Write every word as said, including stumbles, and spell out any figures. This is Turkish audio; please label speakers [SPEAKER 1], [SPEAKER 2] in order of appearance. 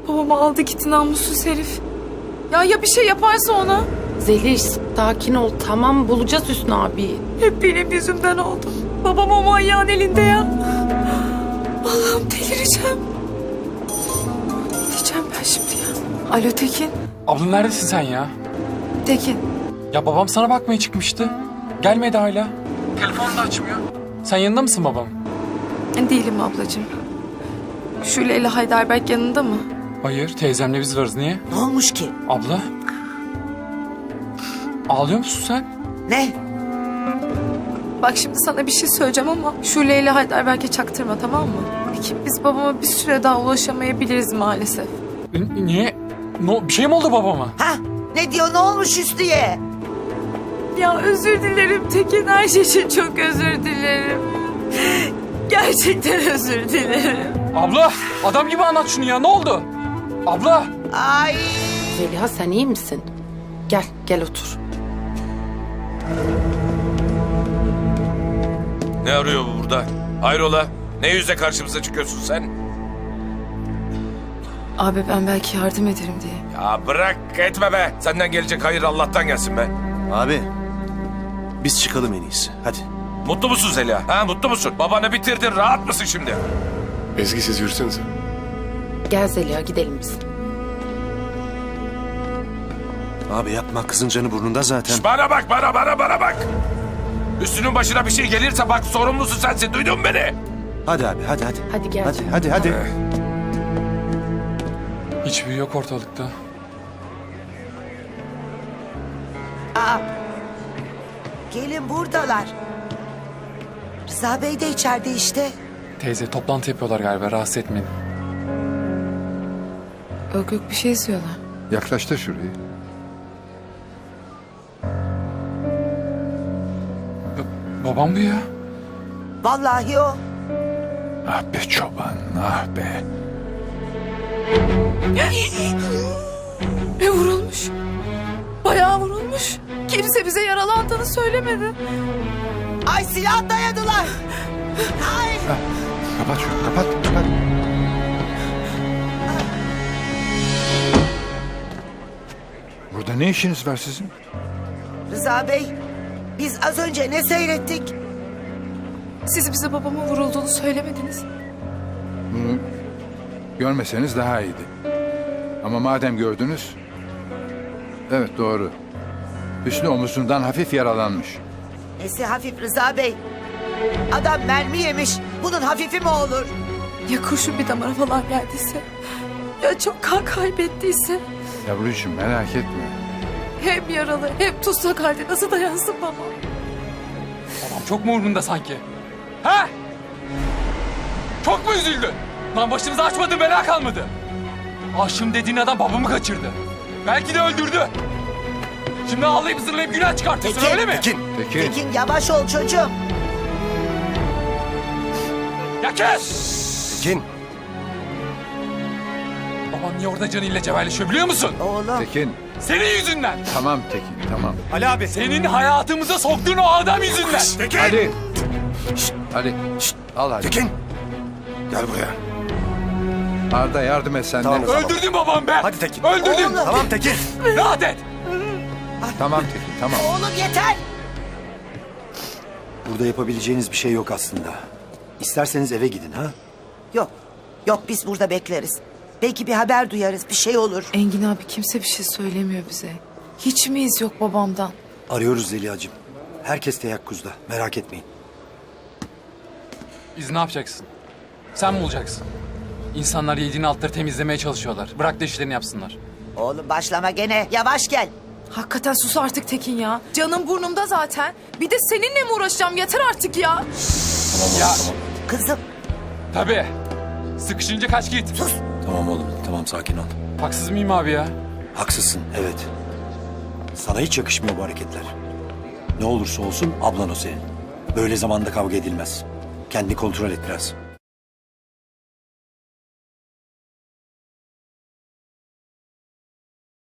[SPEAKER 1] Babamı aldı gitti namussuz herif. Ya ya bir şey yaparsa ona?
[SPEAKER 2] Zeliş sakin ol, tamam bulacağız Hüsnü abi.
[SPEAKER 1] Hep benim yüzümden oldu. Babam o manyağın elinde ya. Allah'ım delireceğim. Ne diyeceğim ben şimdi ya? Alo Tekin.
[SPEAKER 3] Abla neredesin sen ya?
[SPEAKER 1] Tekin.
[SPEAKER 3] Ya babam sana bakmaya çıkmıştı. Gelmedi hala. Telefonu da açmıyor. Sen yanında mısın babam?
[SPEAKER 1] Değilim ablacığım. Şule ile Heidelberg yanında mı?
[SPEAKER 3] Hayır, teyzemle biz varız. Niye?
[SPEAKER 4] Ne olmuş ki?
[SPEAKER 3] Abla? Ağlıyor musun sen?
[SPEAKER 4] Ne?
[SPEAKER 1] Bak şimdi sana bir şey söyleyeceğim ama Şule ile Heidelberg'e çaktırma, tamam mı? Peki biz babama bir süre daha ulaşamayabiliriz maalesef.
[SPEAKER 3] N- niye? No, bir şey mi oldu babama?
[SPEAKER 4] Ha? Ne diyor, ne olmuş Hüsnü'ye?
[SPEAKER 1] Ya özür dilerim Tekin, her şey için çok özür dilerim. Gerçekten özür dilerim.
[SPEAKER 3] Abla, adam gibi anlat şunu ya. Ne oldu? Abla.
[SPEAKER 4] Ay!
[SPEAKER 2] Zeliha sen iyi misin? Gel, gel otur.
[SPEAKER 5] Ne arıyor bu burada? Hayrola? Ne yüzle karşımıza çıkıyorsun sen?
[SPEAKER 1] Abi ben belki yardım ederim diye.
[SPEAKER 5] Ya bırak etme be. Senden gelecek hayır Allah'tan gelsin be.
[SPEAKER 6] Abi, biz çıkalım en iyisi. Hadi.
[SPEAKER 5] Mutlu musun Zeliha? Ha mutlu musun? Babanı bitirdin. Rahat mısın şimdi?
[SPEAKER 7] Ezgi siz yürüsenize.
[SPEAKER 2] Gel Zeliha gidelim biz.
[SPEAKER 6] Abi yapma, kızın canı burnunda zaten.
[SPEAKER 5] Şş, bana bak bana bana bana bak. Üstünün başına bir şey gelirse bak sorumlusu sensin. Duydun mu beni?
[SPEAKER 6] Hadi abi, hadi hadi.
[SPEAKER 2] Hadi gel.
[SPEAKER 6] Hadi, hadi, hadi.
[SPEAKER 3] Hiçbir yok ortalıkta.
[SPEAKER 4] Gelin buradalar. Rıza Bey de içeride işte.
[SPEAKER 3] Teyze toplantı yapıyorlar galiba. Rahatsız etmeyin.
[SPEAKER 1] Yok yok bir şey istiyorlar.
[SPEAKER 7] Yaklaş da şurayı.
[SPEAKER 3] Ba- babam bu ya.
[SPEAKER 4] Vallahi o.
[SPEAKER 7] Ah be çoban, ah be.
[SPEAKER 1] E vurulmuş. Bayağı vurulmuş. Kimse bize yaralandığını söylemedi.
[SPEAKER 4] Ay silah dayadılar. Ay!
[SPEAKER 7] Kapat şunu, kapat, kapat. Burada ne işiniz var sizin?
[SPEAKER 4] Rıza Bey, biz az önce ne seyrettik?
[SPEAKER 1] Siz bize babamın vurulduğunu söylemediniz.
[SPEAKER 7] Bunu görmeseniz daha iyiydi. Ama madem gördünüz... Evet doğru. Hüsnü omuzundan hafif yaralanmış.
[SPEAKER 4] Nesi hafif Rıza Bey? Adam mermi yemiş. Bunun hafifi mi olur?
[SPEAKER 1] Ya kurşun bir damara falan geldiyse? Ya çok kan kaybettiyse?
[SPEAKER 7] Yavrucuğum merak etme.
[SPEAKER 1] Hem yaralı hem tutsak halde nasıl dayansın baba?
[SPEAKER 3] Babam çok mu umurunda sanki? Ha? Çok mu üzüldün? Lan başımıza açmadığın bela kalmadı. Aşığım dediğin adam babamı kaçırdı. Belki de öldürdü. Şimdi ağlayıp zırlayıp günah çıkartıyorsun
[SPEAKER 4] Tekin,
[SPEAKER 3] öyle mi?
[SPEAKER 7] Tekin. Tekin.
[SPEAKER 4] Tekin yavaş ol çocuğum.
[SPEAKER 3] Ya kes!
[SPEAKER 6] Tekin.
[SPEAKER 3] Baban niye orada canıyla cebelleşiyor biliyor musun?
[SPEAKER 4] Oğlum.
[SPEAKER 7] Tekin.
[SPEAKER 3] Senin yüzünden.
[SPEAKER 7] Tamam Tekin, tamam.
[SPEAKER 3] Ali abi. Senin hayatımıza soktuğun o adam yüzünden.
[SPEAKER 5] Tekin!
[SPEAKER 7] Hadi. Hadi. Al hadi.
[SPEAKER 6] Tekin. Gel buraya.
[SPEAKER 7] Arda yardım et sen de.
[SPEAKER 6] Tamam.
[SPEAKER 3] Öldürdün babam be.
[SPEAKER 6] Hadi Tekin.
[SPEAKER 3] Öldürdün.
[SPEAKER 4] Oğlum.
[SPEAKER 6] Tamam Tekin.
[SPEAKER 3] Rahat et.
[SPEAKER 7] Tamam Tekin, tamam.
[SPEAKER 4] Oğlum yeter.
[SPEAKER 8] Burada yapabileceğiniz bir şey yok aslında. İsterseniz eve gidin ha?
[SPEAKER 4] Yok. Yok biz burada bekleriz. Belki bir haber duyarız. Bir şey olur.
[SPEAKER 1] Engin abi kimse bir şey söylemiyor bize. Hiç mi iz yok babamdan?
[SPEAKER 8] Arıyoruz Zeliha'cığım. Herkes teyakkuzda. Merak etmeyin.
[SPEAKER 3] Biz ne yapacaksın? Sen mi olacaksın? İnsanlar yediğin altları temizlemeye çalışıyorlar. Bırak da işlerini yapsınlar.
[SPEAKER 4] Oğlum başlama gene. Yavaş gel.
[SPEAKER 1] Hakikaten sus artık Tekin ya. Canım burnumda zaten. Bir de seninle mi uğraşacağım? Yeter artık ya.
[SPEAKER 3] Ya
[SPEAKER 4] Kızım
[SPEAKER 3] tabii. Sıkışınca kaç git.
[SPEAKER 8] Tamam oğlum, tamam sakin ol.
[SPEAKER 3] Haksız mıyım abi ya?
[SPEAKER 8] Haksızsın, evet. Sana hiç yakışmıyor bu hareketler. Ne olursa olsun ablan o senin. Böyle zamanda kavga edilmez. Kendini kontrol et biraz.